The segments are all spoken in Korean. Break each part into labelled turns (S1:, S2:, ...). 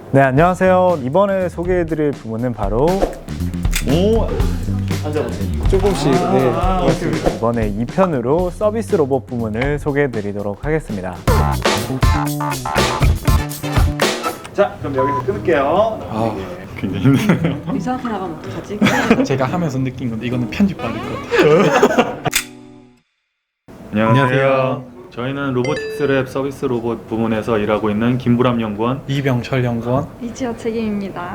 S1: 네, 안녕하세요. 이번에 소개해드릴 부문은 바로 앉아보세요. 조금씩. 네, 그렇습니다. 이번에 2편으로 서비스 로봇 부문을 소개해드리도록 하겠습니다. 자, 그럼 여기서 끊을게요.
S2: 굉장히 힘드네요.
S3: 이상하게 나가면 어떡하지?
S4: 제가 하면서 느낀 건데 이거는 편집 받을 것 같아요.
S2: 안녕하세요. 저희는 로보틱스 랩 서비스 로봇 부문에서 일하고 있는 김보람 연구원.
S4: 이병철 연구원.
S3: 이지어 책임입니다.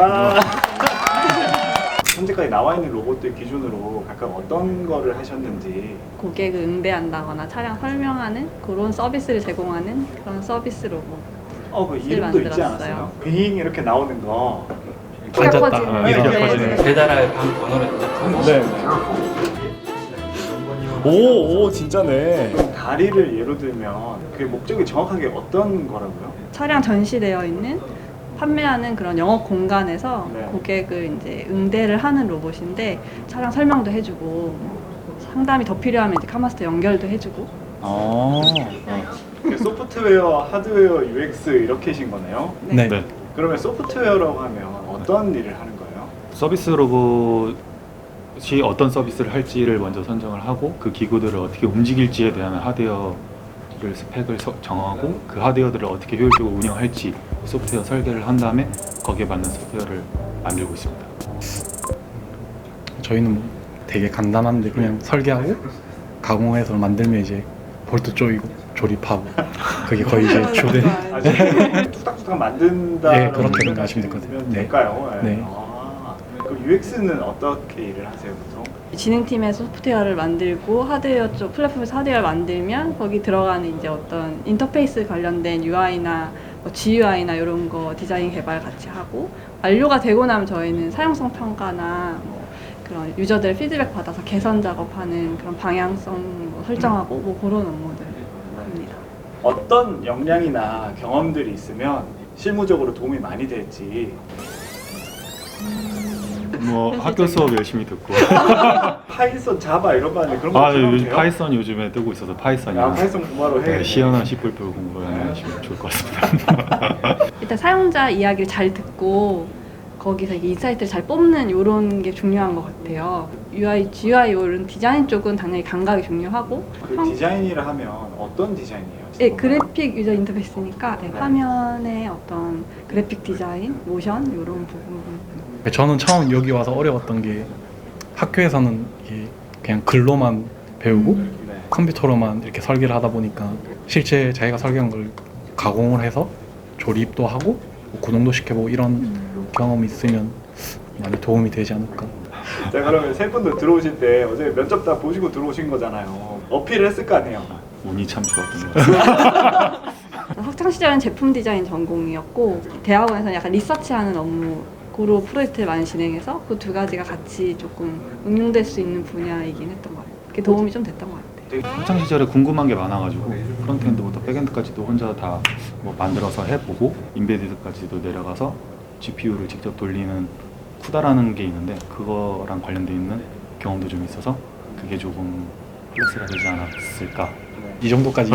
S1: 현재까지 나와 있는 로봇들 기준으로 각각 어떤 거를 하셨는지.
S3: 고객을 응대한다거나 차량 설명하는 그런 서비스를 제공하는 그런 서비스 로봇.
S1: 그 이름도 있지 않았어요? 빙 이렇게 나오는 거.
S4: 앉았다.
S3: 커지는.
S2: 이렇게
S3: 네,
S2: 커지는.
S3: 네.
S5: 배달할 방 번호를 입력하고
S1: 네. 오, 진짜네. 그럼 다리를 예로 들면 그 목적이 정확하게 어떤 거라고요?
S3: 차량 전시되어 있는 판매하는 그런 영업 공간에서
S1: 네.
S3: 고객을 이제 응대를 하는 로봇인데 차량 설명도 해주고 상담이 더 필요하면 이제 카마스터 연결도 해주고.
S1: 소프트웨어, 하드웨어, UX 이렇게신 거네요.
S3: 네.
S2: 네.
S1: 그러면 소프트웨어라고 하면 어떤 일을 하는 거예요?
S2: 서비스 로봇이 어떤 서비스를 할지를 먼저 선정을 하고 그 기구들을 어떻게 움직일지에 대한 하드웨어를 스펙을 정하고 그 하드웨어들을 어떻게 효율적으로 운영할지 소프트웨어 설계를 한 다음에 거기에 맞는 소프트웨어를 만들고 있습니다.
S4: 저희는 뭐 되게 간단한데 그냥 설계하고 가공해서 만들면 이제 볼트 조이고 조립하고 그게 거의 이제 주된.
S1: 뚝딱뚝딱 만든다.
S4: 네, 그렇게 생각하시면 될 것 같아요. 네.
S1: 될까요?
S4: 네.
S1: 그럼 UX는 어떻게 일을 하세요, 보통?
S3: 진흥팀에서 소프트웨어를 만들고 하드웨어 쪽 플랫폼에서 하드웨어를 만들면 거기 들어가는 이제 어떤 인터페이스 관련된 UI나 뭐 GUI나 이런 거 디자인 개발 같이 하고 완료가 되고 나면 저희는 사용성 평가나 뭐 그런 유저들 피드백 받아서 개선 작업하는 그런 방향성 뭐 설정하고 뭐 그런 업무들 합니다.
S1: 어떤 역량이나 경험들이 있으면 실무적으로 도움이 많이 될지.
S2: 뭐 학교 수업 열심히 듣고.
S1: 파이썬, 자바 이런 거 하는데 그런 거
S2: 요즘
S1: 필요해요?
S2: 파이썬 요즘에 뜨고 있어서 파이썬이나
S1: 파이썬 공부하러 해.
S2: 시연한 C++ 공부하시면 좋을 것 같습니다.
S3: 일단 사용자 이야기를 잘 듣고 거기서 이게 인사이트를 잘 뽑는 이런 게 중요한 것 같아요. UI, GUI 이런 디자인 쪽은 당연히 감각이 중요하고
S1: 그 디자인이라 하면 어떤 디자인이에요?
S3: 네, 그래픽 유저 인터페이스니까 네, 화면의 어떤 그래픽 디자인, 모션 이런 부분.
S4: 저는 처음 여기 와서 어려웠던 게 학교에서는 이게 그냥 글로만 배우고
S1: 네.
S4: 컴퓨터로만 이렇게 설계를 하다 보니까 실제 자기가 설계한 걸 가공을 해서 조립도 하고 뭐 구동도 시켜보고 이런 경험이 있으면 많이 도움이 되지 않을까.
S1: 자, 그러면 세 분도 들어오실 때 어제 면접 다 보시고 들어오신 거잖아요. 어필을 했을 거 아니에요?
S2: 운이 참 좋았던 것 같아요.
S3: 학창 시절은 제품 디자인 전공이었고 대학원에서는 약간 리서치하는 업무로 프로젝트를 많이 진행해서 그 두 가지가 같이 조금 응용될 수 있는 분야이긴 했던 것 같아요. 그게 도움이 좀 됐던 것 같아요.
S2: 학창 시절에 궁금한 게 많아가지고 프론트엔드부터 백엔드까지도 혼자 다 뭐 만들어서 해보고 인베디드까지도 내려가서 GPU를 직접 돌리는 쿠다라는 게 있는데 그거랑 관련돼 있는 경험도 좀 있어서 그게 조금 플러스가 되지 않았을까.
S4: 이 정도까지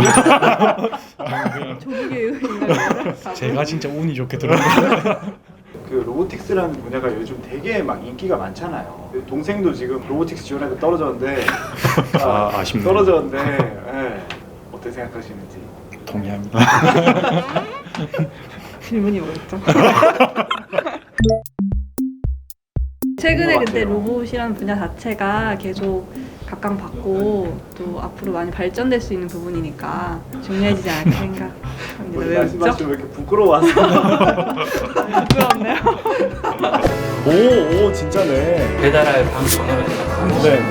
S3: 조국의 의인가요?
S4: 제가 진짜 운이 좋게 들어왔어요.
S1: 그 로보틱스라는 분야가 요즘 되게 막 인기가 많잖아요. 동생도 지금 로보틱스 지원해서 떨어졌는데
S2: 아쉽네요.
S1: 떨어졌는데 예. 어떻게 생각하시는지.
S4: 동의합니다.
S3: 질문이 뭐였죠? 최근에 근데 로봇이라는 분야 자체가 계속 각광받고 또 앞으로 많이 발전될 수 있는 부분이니까 중요해지지 않을까 생각합니다. 왜 웃죠?
S1: 말씀하시면 왜 이렇게 부끄러워하세요?
S3: 부끄럽네요.
S1: 오, 진짜네.
S5: 배달할 방 번호를 입력하고
S1: 네.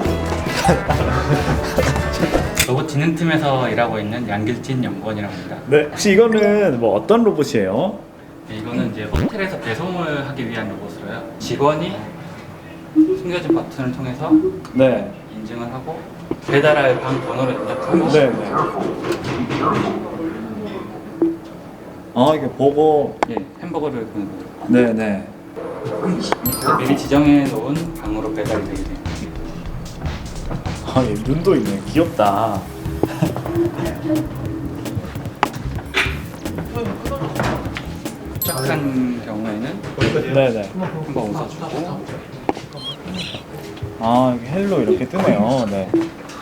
S5: 로봇 진흥팀에서 일하고 있는 양길진 연구원이라고 합니다.
S1: 네. 혹시 이거는 뭐 어떤 로봇이에요?
S5: 네, 이거는 이제 호텔에서 배송을 하기 위한 로봇으로요. 직원이 숨겨진 버튼을 통해서
S1: 네.
S5: 인증을 하고 배달할 방 번호를 입력하고
S1: 네. 이게 보고.
S5: 예, 햄버거를 보는 거죠.
S1: 네.
S5: 미리 지정해 놓은 방으로 배달이 되게 돼요.
S1: 얘 눈도 있네. 귀엽다.
S5: 도착한 경우에는
S2: 네네.
S5: 한번 웃어주고
S2: 아 여기 헬로 이렇게 뜨네요. 네.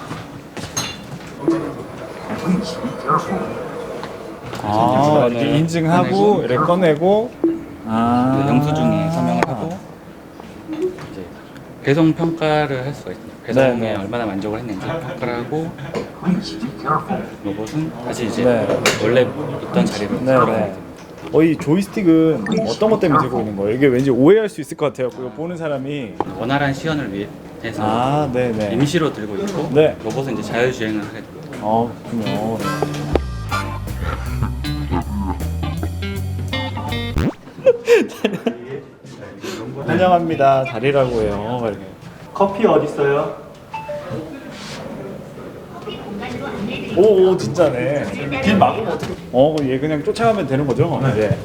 S2: 아 이렇게 인증하고 이렇게 꺼내고 아
S5: 영수증에 서명을 하고 이제 배송 평가를 할 수가 있습니다. 배송에
S2: 네네.
S5: 얼마나 만족을 했는지 평가를 하고 로봇은 다시 이제
S2: 네.
S5: 원래 있던 자리로
S2: 네네.
S5: 돌아가게 됩니다.
S2: 이 조이스틱은 어떤 것 때문에 들고 있는 거예요? 이게 왠지 오해할 수 있을 것 같아요. 그거 보는 사람이.
S5: 원활한 시연을 위해서
S2: 아, 네네.
S5: 임시로 들고 있고
S2: 네.
S5: 로봇은 이제 자율주행을 하게 됩니다.
S2: 그렇군요. 환영합니다. 다리라고 해요. 이렇게. 커피 어디 있어요? 오, 진짜네. 길 막으면 어떻게? 그럼 얘 그냥 쫓아가면 되는 거죠? 네.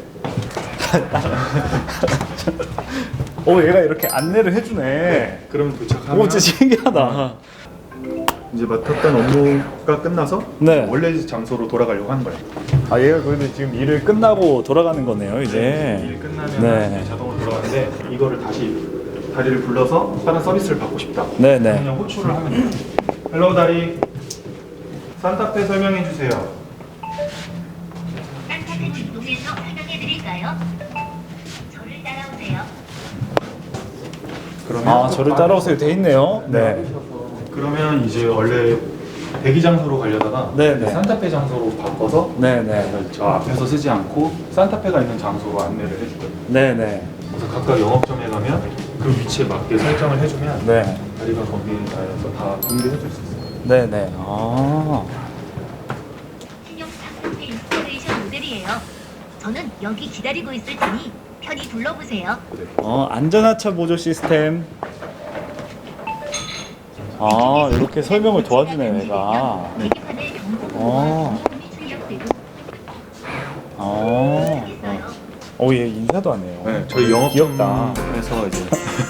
S2: 얘가 이렇게 안내를 해주네.
S1: 그럼 도착하면
S2: 진짜 신기하다.
S1: 이제 맡았던 업무가 끝나서
S2: 네.
S1: 원래 장소로 돌아가려고 하는 거예요.
S2: 얘가 근데 지금 일을 끝나고 돌아가는 거네요, 이제.
S1: 일 끝나면
S2: 네.
S1: 자동으로 돌아가는데 이거를 다시 다리를 불러서 다른 서비스를 받고 싶다.
S2: 네네.
S1: 그냥 호출을 하면 돼요. 헬로 다리, 산타페 설명해 주세요.
S6: 산타페 이동해서 설명해 드릴까요? 저를 따라오세요.
S1: 그러면
S2: 저를 따라오세요. 돼 있네요. 네.
S1: 그러면 이제 원래 대기 장소로 가려다가
S2: 네네.
S1: 산타페 장소로 바꿔서
S2: 네네.
S1: 저 앞에서 쓰지 않고 산타페가 있는 장소로 안내를 해주거든요.
S2: 네네.
S1: 그래서 각각 영업점에 가면 그 위치에 맞게 설정을 해주면
S2: 네.
S1: 다리가 거기에 다 공개해줄 수 있어요.
S2: 네네.
S6: 신용 산타페 인스톨레이션 모델이에요. 저는 여기 기다리고 있을 테니 편히 둘러보세요.
S2: 안전하차 보조 시스템. 이렇게 설명을 도와주네, 얘가.
S6: 계기판에 경고문과
S2: 어.
S6: 비용이 출력되고
S2: 얘 인사도 안 해요.
S1: 네, 저희
S2: 귀엽다.
S1: 영업점에서 이제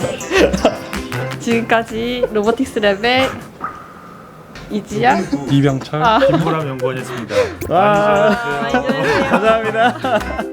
S3: 지금까지 로보틱스 랩의 이지야.
S4: 이병철
S3: 아.
S1: 김보람 연구원이었습니다.
S2: 와,
S3: 많이 들으세요.
S2: 감사합니다.